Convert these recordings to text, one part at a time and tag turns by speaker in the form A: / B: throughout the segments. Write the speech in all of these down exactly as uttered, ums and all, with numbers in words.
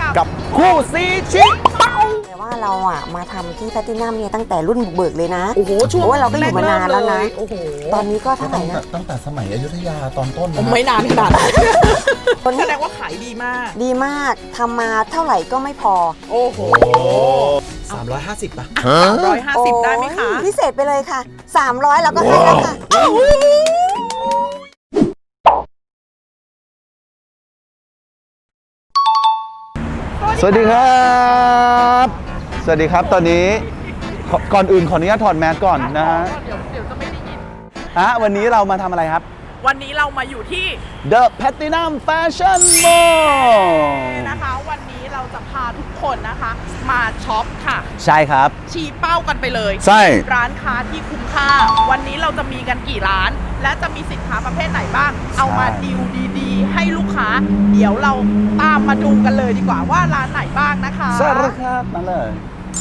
A: กับคู่ซีชิเป้า
B: แต่ว่าเราอ่ะมาทำที่แพลตินัมเนี่ยตั้งแต่รุ่นบุกเบิกเลยนะ
C: โอ้โหช่วง
B: เราก็อยู่มานานแล้วนะ
C: โอ้โห
B: ตอนนี้ก็เท่าไหร่นะ
A: ตั้งแต่สมัยอยุธยาตอนต้นนะ
C: ไม่นานขนาดนั้นแสดงว่าขายดีมาก
B: ดีมากทำมาเท่าไหร่ก็ไม่พอ
C: โอ้โห
A: สามร้อยห้าสิบป่ะ
C: สามร้อยห้าสิบได้ไหมคะ
B: พิเศษไปเลยค่ะสามร้อยเราก็ให้แล้วค่ะ
A: สวัสดีครับสวัสดีครับตอนนี้ก่อนอื่นขออนุญาตถอดแมสก่อนนะฮะ
C: เดี๋ยวเดี๋ยวจะไม่ได้ยิน
A: ฮะวันนี้เรามาทำอะไรครับ
C: วันนี้เรามาอยู่ที่
A: The Platinum Fashion Mall
C: นะคะวันนี้เราจะพาทุกคนนะคะมาช็อปค่ะ
A: ใช่ครับ
C: ชี้เป้ากันไปเลย
A: ใช่
C: ร้านค้าที่คุ้มค่าวันนี้เราจะมีกันกี่ร้านและจะมีสินค้าประเภทไหนบ้างเอามาดีลดีๆให้ลูกค้าเดี๋ยวเราตามมาดูกันเลยดีกว่าว่าร้านไหนบ้างนะคะ
A: ใช่ครับมาเลย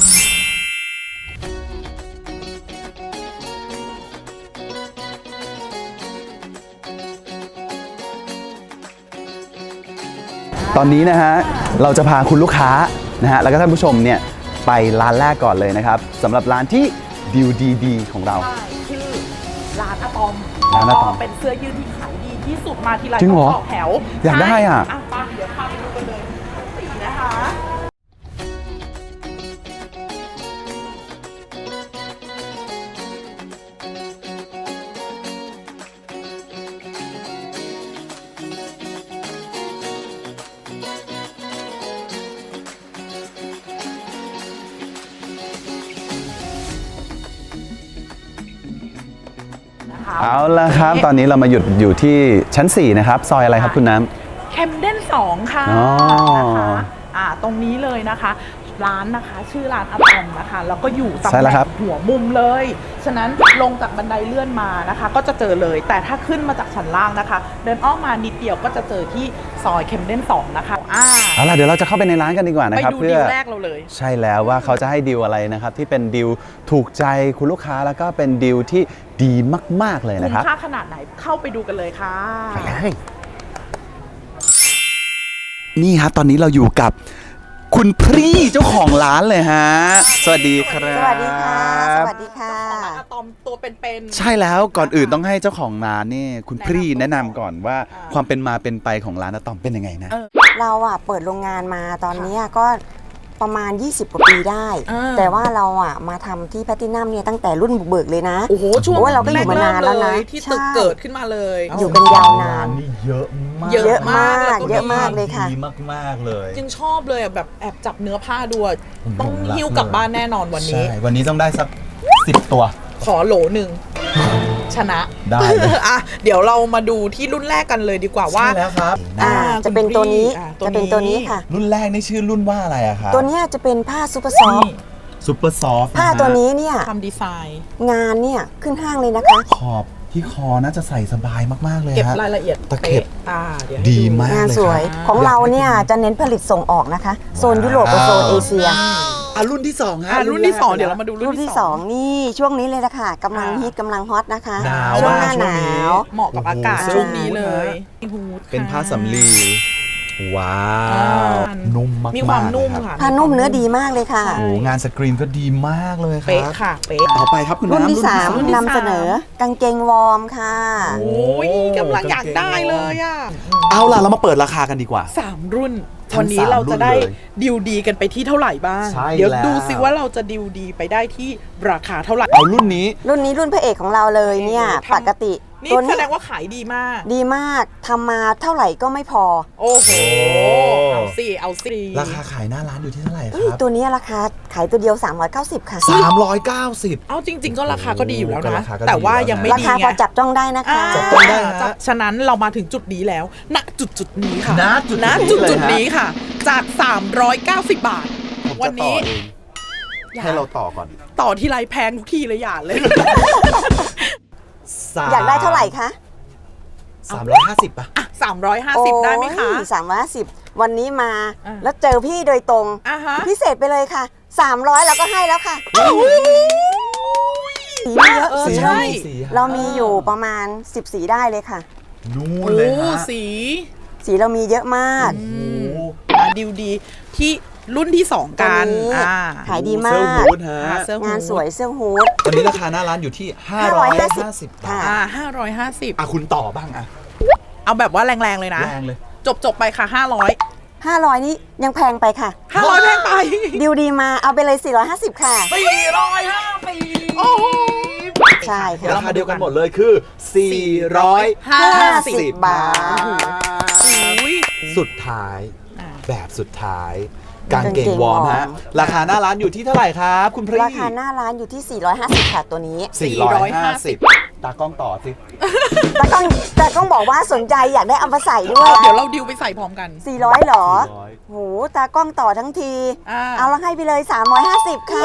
A: ตอนนี้นะฮะเราจะพาคุณลูกค้านะฮะแล้วก็ท่านผู้ชมเนี่ยไปร้านแรกก่อนเลยนะครับสำหรับร้านที่ดิวดีๆของเรา
C: ชื่อร้านอะตอม
A: ร้านอะตอม
C: เป็นเสื้อยืดที่ขายดีที่สุดมาทีไร
A: ต้อง
C: ต่อแถว
A: อยากได้อ่ะ
C: ไปเดี๋ยวพาไปดูกันเลยสีนะคะ
A: เอาละครับตอนนี้เรามาหยุดอยู่ที่ชั้นสี่นะครับซอยอะไรครับคุณน้
C: ำแคมเดนสองค่ะนะคะอ่าตรงนี้เลยนะคะร้านนะคะชื่อร้านอะตอมนะคะแล้วก็อยู่ตำแหน่งหัวมุมเลยฉะนั้นลงจากบันไดเลื่อนมานะคะก็จะเจอเลยแต่ถ้าขึ้นมาจากชั้นล่างนะคะเดินอ้อมมานิดเดียวก็จะเจอที่ซอยแคมเดนสองนะคะ
A: อ่าเอาล่ะเดี๋ยวเราจะเข้าไปในร้านกันดีกว่านะครับ
C: เพื่อไปดูดีลแรกเราเลย
A: ใช่แล้วว่าเขาจะให้ดีลอะไรนะครับที่เป็นดีลถูกใจคุณลูกค้าแล้วก็เป็นดีลที่ดีมากๆเลยนะครับ
C: คุ้มค่าขนาดไหนเข้าไปดูกันเลยค่ะ
A: ไปเลยนี่ครับตอนนี้เราอยู่กับคุณพรี่เจ้าของร้านเลยฮะสวัสดีครับ
B: สวัสดีค่ะสวัสดีค่ะ
C: เจ้าของร้านอะตอมตัวเป็น
A: ๆใช่แล้วก่อนอื่นต้องให้เจ้าของร้านนี่คุณพรี่แนะนำก่อนว่าความเป็นมาเป็นไปของร้านอะตอมเป็นยังไงนะ
B: เราอ่ะเปิดโรงงานมาตอนนี้ก็ประมาณยี่สิบกว่าปีได้แต่ว่าเราอ่ะมาทำที่แพลตินัมเนี่ยตั้งแต่รุ่นบุกเบิกเลยนะ
C: โอ้โหช่วง
B: เราก็อยู่มานานแล้วนะ
C: ที่ตึกเกิดขึ้นมาเลย
B: อยู่กันยาวนาน
A: นี่เยอะมาก
B: เยอะมากเยอะมากเลยค่ะ
A: ดีมากๆเลย
C: จึงชอบเลยแบบแอบจับเนื้อผ้าดูต้องหิ้วกลับบ้านแน่นอนวันนี้
A: ใช่วันนี้ต้องได้สักสิบตัว
C: ขอโหลหนึ่งชนะ
A: ได้
C: อ่ะเดี๋ยวเรามาดูที่รุ่นแรกกันเลยดีกว่าว่า
A: ใช่แล้วครับ
B: จะเป็นตัวนี้จะเป็นตัวนี้ค่ะ
A: รุ่นแรกนี่ชื่อรุ่นว่าอะไรอะครับ
B: ตัวนี้จะเป็นผ้าซูเปอร์ซอฟต์
A: ซูเปอร์ซอฟต์
B: ผ้าตัวนี้เนี่ย
C: ทำดีไซน์
B: งานเนี่ยขึ้นห้างเลยนะคะ
A: ขอบที่คอน่าจะใส่สบายมากๆเลย
C: เก็บรายละเอียด
A: ตะเข็บดีมาก
B: งานสวยของเราเนี่ยจะเน้นผลิตส่งออกนะคะโซนยุโรปกับโซนเอเชีย
A: อ่ะรุ่นที่สองฮะ
C: รุ่นที่สองเดี๋ยวเรามาดู
B: รุ่นที่สองนี่ช่วงนี้เลยนะคะกำลังฮิตกำลังฮอตนะคะ
A: ช่วง
B: หน้าหนาว
C: เหมาะกับอากาศช่วงนี้เลย
A: เป็นผ้าสำลีว้าวนุ่มมาก
C: มีความนุ่มค่ะ
B: ผ้านุ่มเนื้อดีมากเลยค่ะ
A: โอ้งานสกรีนก็ดีมากเลยครับ
C: เป๊ะค่ะเป๊ะ
A: ต่อไปครับคุณน้ำ
B: รุ่นที่สามนำเสนอกางเกงวอร์มค่ะ
C: โอ้ยกำลังอยากได้เลยอ่ะ
A: เอาล่ะเรามาเปิดราคากันดีกว่า
C: สามรุ่นวันนี้เราจะได้ดิวดีกันไปที่เท่าไหร่บ้างเดี๋ยวดูซิว่าเราจะดิวดีไปได้ที่ราคาเท่าไหร่
A: เอารุ่นนี้
B: รุ่นนี้รุ่นพระเอกของเราเลยเนี่ยปกติ
C: นี่แสดงว่าขายดีมาก
B: ดีมากทำมาเท่าไหร่ก็ไม่พอ
C: โอ้โหเอาสิเอาสิ
A: ราคาขายหน้าร้านอยู่ที่เท่าไหร่ครับ
B: ตัวนี้ราคาขายตัวเดียวสามร้อยเก้าสิบค่ะ
A: สามร้อยเก้าสิบ
C: เอาจริงๆก็ราคาก็ดีอยู่แล้วนะแต่ว่ายังไม่ดี
B: ราคาพอจับต้องได้นะคะ
A: จับต้องได้
C: ฉะนั้นเรามาถึงจุดนี้แล้วณจุดจุดนี้ค่ะ
A: ณจุด
C: จุดจุดนี้ค่ะจากสามร้อยเก้าสิบบาทวันนี้
A: ให้เราต่อก่อน
C: ต่อที่ไรแพงทุกทีเลยอย่าเลย
B: อยากได้เท่าไหร่คะ
A: สามร้อยห้าสิบป่ะ
C: สามร้อยห้าสิบได้ไหมคะ
B: สามร้อยห้าสิบวันนี้มาแล้วเจอพี่โดยตรงพิเศษไปเลยค่ะสามร้อยเราก็ให้แล้วค่ะสีเยอะใช่เรามีอยู่ประมาณสิบสีได้เลยค่ะ
A: นู่นเลยฮะ
C: สี
B: สีเรามีเยอะมาก
C: อันดิวดีที่รุ่นที่สองกัน
B: ตัวนี้
C: อ่า
B: ขายดีมา
A: เสื้อก ฮูดฮะ
C: อ่าเสื้อฮูด
B: งานสวยเสื้อฮูด
A: ตอนนี้ราคาหน้าร้านอยู่ที่ ห้าร้อยห้าสิบ บา
B: ค่ะ
A: ท
C: อ่าห้าร้อยห้าสิบ
A: อ่ะคุณต่อบ้างอ่ะ
C: เอาแบบว่าแรงๆเลยนะ
A: แรงเลย
C: จบจบๆไปค่ะห้าร้อย
B: ห้าร้อยนี่ยังแพงไปค่ะ
C: ห้าร้อยแพงไป
B: ดิวดีมาเอาไปเลย สี่ร้อยห้าสิบ ค่ะ
C: สี่ร้อยห้าสิบโอ้โห
B: ใช่ค่ะ
A: ราคาเดียวกันหมดเลยคือ สี่ร้อยห้าสิบ
B: บาท
C: อุ้ย
A: สุดท้าย
C: อ่า
A: แบบสุดท้าย กางเกง
B: กางเกง
A: วอร์ม
B: วอร์ม
A: ฮะ ราคาหน้าร้านอยู่ที่เท่าไหร่ครับคุณพรี
B: ราคาหน้าร้านอยู่ที่ สี่ร้อยห้าสิบ ค่ะตัวนี้
A: สี่ร้อยห้าสิบ ตากล้องต่อสิ
B: แต่ต้องแต่ต้องบอกว่าสนใจอยากได้เอามาใส่ด้วย
C: เดี๋ยวเราดิวไปใส่พร้อมกัน
B: สี่ร้อยเหรอ
A: สี่ร้อย
B: โหตากล้องต่อทั้งที
C: อ่า
B: เอาละให้ไปเลย สามร้อยห้าสิบ ค่ะ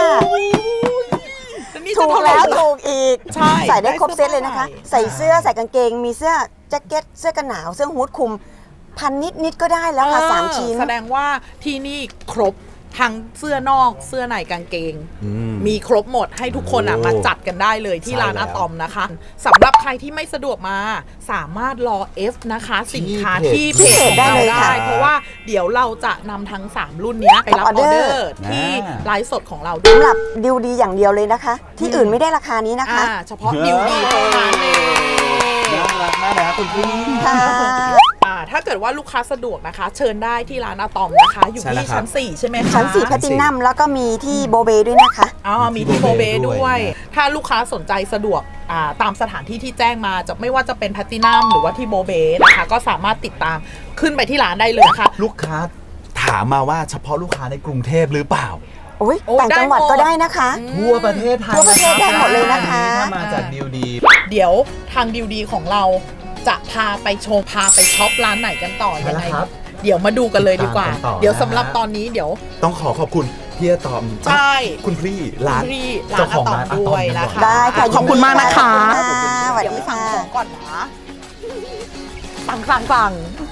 C: นี่จะ
B: ถูก
C: เท่าไหร่
B: แล้ว
C: ล่ะ
B: ถูกอีก
C: ใช่
B: ใส่ได้ครบ
C: ได้
B: เซ
C: เสื้อ
B: ตเลยนะคะ
C: ผ้า
B: ใส่เสื้อใส่กางเกง มีเสื้อแจ็คเก็ต เสื้อกันหนาว เสื้อฮู้ดคลุม พันนิดนิดๆก็ได้แล้วค่ะ
C: เออ
B: สามชิ้น
C: แสดงว่าที่นี่ครบทั้งเสื้อนอกเสื้อในกางเกง
A: อืม
C: มีครบหมดให้ทุกคนอ่ะ
A: โอ้
C: มาจัดกันได้เลยที่
A: ใช่
C: ร้าน
A: แล้
C: อะ
A: ว
C: ตอมนะคะสำหรับใครที่ไม่สะดวกมาสามารถรอ F นะคะ สินค้า
A: ที่
C: ที่
A: เพจ
C: เพจของ
B: ได้
C: เรา
B: เลย
C: ได้
B: ค่ะ
C: เพราะว่าเดี๋ยวเราจะนำทั้ง สาม รุ่นเนี้ยไปรับอ
B: อ
C: อ
B: อเด
C: เด
B: อ
C: อ
B: ร์
C: ร์ที่
A: อ่า
C: ไลฟ์สดของเราด้ว
B: สำ
C: ย
B: หรับดิวดีอย่างเดียวเลยนะคะ ที่อื่นไม่ได้ราคานี้นะคะ
C: อ่าเฉพาะดิวดีเท่านั้นเอง
A: น่ารักมากนะคุณพี่
B: ค่ะ
C: อ่าถ้าเกิดว่าลูกค้าสะดวกนะคะ เชิญได้ที่ร้านอะตอมนะคะ อยู่
A: ใช่แล้ว
C: ที่
A: ครับ
C: ชั้นสี่ใช่ไหมคะ
B: ชั้นสี่แพลตินัมแล้วก็มีที่โบเบด้วยนะคะ
C: อ๋อมีที่โบเบ
A: ที่โบเบด้
C: ด้
A: ว
C: วย ย ถ้าลูกค้าสนใจสะดวกอ่าตามสถานที่ที่แจ้งมาจะไม่ว่าจะเป็นแพลตินัมหรือว่าที่โบเบนะคะ ก็สามารถติดตามขึ้นไปที่ร้านได้เลยนะคะ
A: ลูกค้าถามมาว่าเฉพาะลูกค้าในกรุงเทพหรือเปล่า
B: โอ้ย
C: โอ้
B: ต่างจังหวัด
C: ได้หมด
B: ก็ได้นะคะ
A: ทั่วประเทศไทย
B: ทั่วประเทศได้หมดเลยนะคะ
A: ถ้ามาจากดิวดี
C: เดี๋ยวทางดิวดีของเราจะพาไปชมพาไปช็อปร้านไหนกันต่อ
A: ใช่
C: ยัง
A: แล้ว
C: ไง
A: ครับ
C: เดี๋ยวมาดูกันเลยดีกว่า
A: ติดตามกันต่อ
C: เดี๋ยว
A: นะ
C: สำหรับตอนนี้เดี๋ยว
A: ต้องขอขอบคุณพี่อะตอม
C: ใช่
A: คุณพี่ร้าน
C: ที่ร้า
A: เจ้าน ข
C: อะ
A: อง
C: ตอม
A: ร้านอะตอม
C: ด้วยนะคะ
B: ได้ค่ะ
C: ขอบคุณมากนะคะ
B: ขอบคุณค่ะสวัส
C: เดี๋ยว
B: ดี
C: ไปสั่ง
B: ค่ะ
C: ของก่อนนะสั่งสั่งสั่ง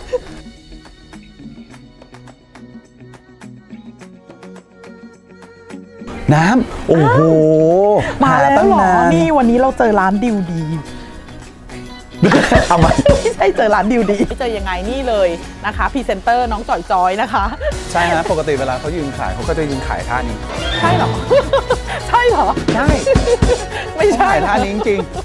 A: น้ำโอ้โห
C: มาแล้ว
A: ตั้ง
C: เหรอ
A: นาน
C: นี่วันนี้เราเจอร้านดิวดี
A: เอามา
C: ไม่ใช่เจอร้านดิวดีเจอยังไงนี่เลยนะคะพรีเซนเตอร์น้องจ่อยจอยนะคะ
A: ใช่ฮะปกติเวลาเขายืนขายเขาก็จะยืนขายท่านี้
C: ใช่เหรอ ใช่เหรอ
A: ใช่
C: ไม่ใช่
A: ขายท่านี้จริง